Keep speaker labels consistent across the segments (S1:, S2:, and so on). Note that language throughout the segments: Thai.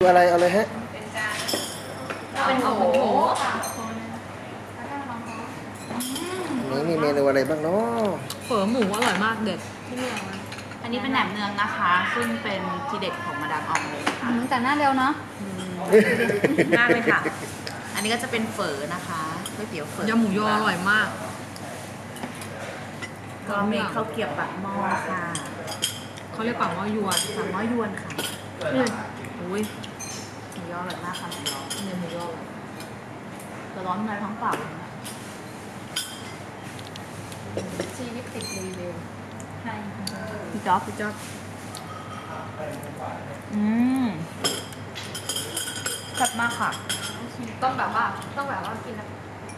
S1: อะไรเอาเลยฮะ
S2: เป็นหมู
S1: นี่มีเมนูอะไรบ้างเนาะ
S2: เฝอหมูอร่อยมากเด็ดที่นี่
S3: อันนี้เป็นแหนมเนืองนะคะ ซึ่งเป็นทีเด็ดของมาดามอองเลยค่ะ
S4: แต่หน้าเร็วเนาะ
S3: มากเลยค่ะ อันนี้ก็จะเป็นเฝอนะคะก๋วยเตี๋ยวเฝอย
S2: ำหมูยออร่อยมาก
S3: ก็มีข้าวเกรี๊ยวปากหม้อค่ะ
S2: เขาเรียกปากหม้อยวน
S3: ปากหม้อยวนค่ะ
S2: อุ้ย
S3: หมูยออร่อยมากค่ะหมูยอ
S2: เนี่ยหมูยอ
S3: จะร้อนในท้องเปล่าเลยนะ
S4: ชีวิตติดรีวิวใช่
S3: พี่จ๊อบ
S2: พี่จ๊อบ
S3: แซ่บมากค่ะ
S4: ต้องแบบว่ากินแล้ว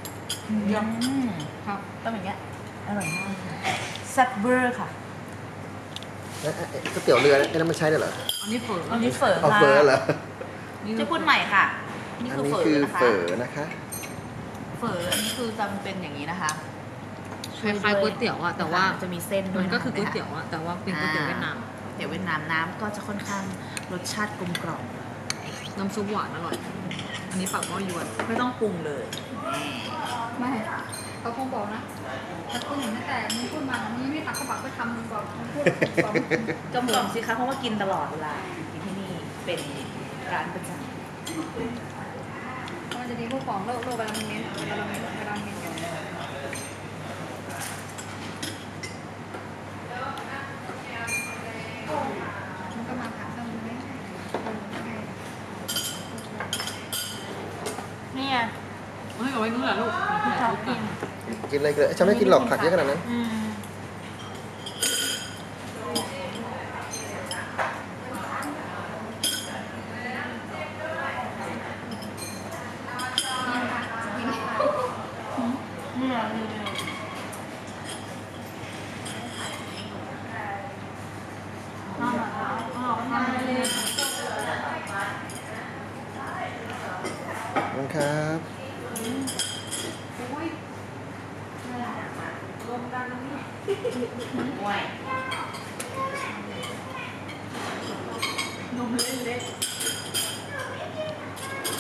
S2: ครับ
S3: ต้องอย่างเงี้ยอร่อยมากค่ะแซ่บเบอร์ค่ะ
S1: ก๋วยเตี๋ยวเรือไอ้นั่นมันใช้ได้เหรอ
S2: อันนี้เฝอ
S3: อันนี้เฝอ
S1: เอา
S3: ค่ะ
S1: เฟอร์เหรอ
S3: จะพูดใหม่ค่ะ นี่
S1: อัน
S3: คือ
S1: นี้
S3: เฝอ
S1: คือ
S3: นะคะ
S1: เฟอนะคะ
S3: เฝออันนี้คือจะเป็นอย่างนี้นะคะ
S2: คล้ายๆก๋วยเตี๋ยวอะแต่ว่า
S3: จะมีเส้นด้ว
S2: มั
S3: ย
S2: นก็คือก๋วยเตี๋ยวอะแต่ว่าเป็นก๋วยเตี๋ยวเวียดนาม
S3: เตี๋ยวเวียดนามน้ำก็จะค่อนข้างรสชาติกลมกล่อม
S2: น้ำซุปหวานอร่อย อันนี้ปากหม้อยวน
S3: ไม่ต้องปรุงเลย
S4: ไม่เขาคงบอกนะถ้าคุณเห็นตั้งแต่มึงพูดมานี้ไม่ตักกระบักไปทำมึงบอกมึงพูดบอก
S3: กลมกล่อมสิคะเพราะว่ากินตลอดเวลากินที่นี่เป็นร้านประจ
S4: มันจะมีพวกของโลกเวลามันเน้นเวลามันเน้นมันก็มาถามเรื่องมันไม่
S3: ำเนี่ย
S2: เฮ้ยเอาไว้นู่นแหละลูก
S3: ชอบกิน
S1: กินอะไรเลยฉันไม่กินหรอกผักเยอะขนาดนั้น ขอบคุณครับ
S3: ห่วย
S4: นมเล็ก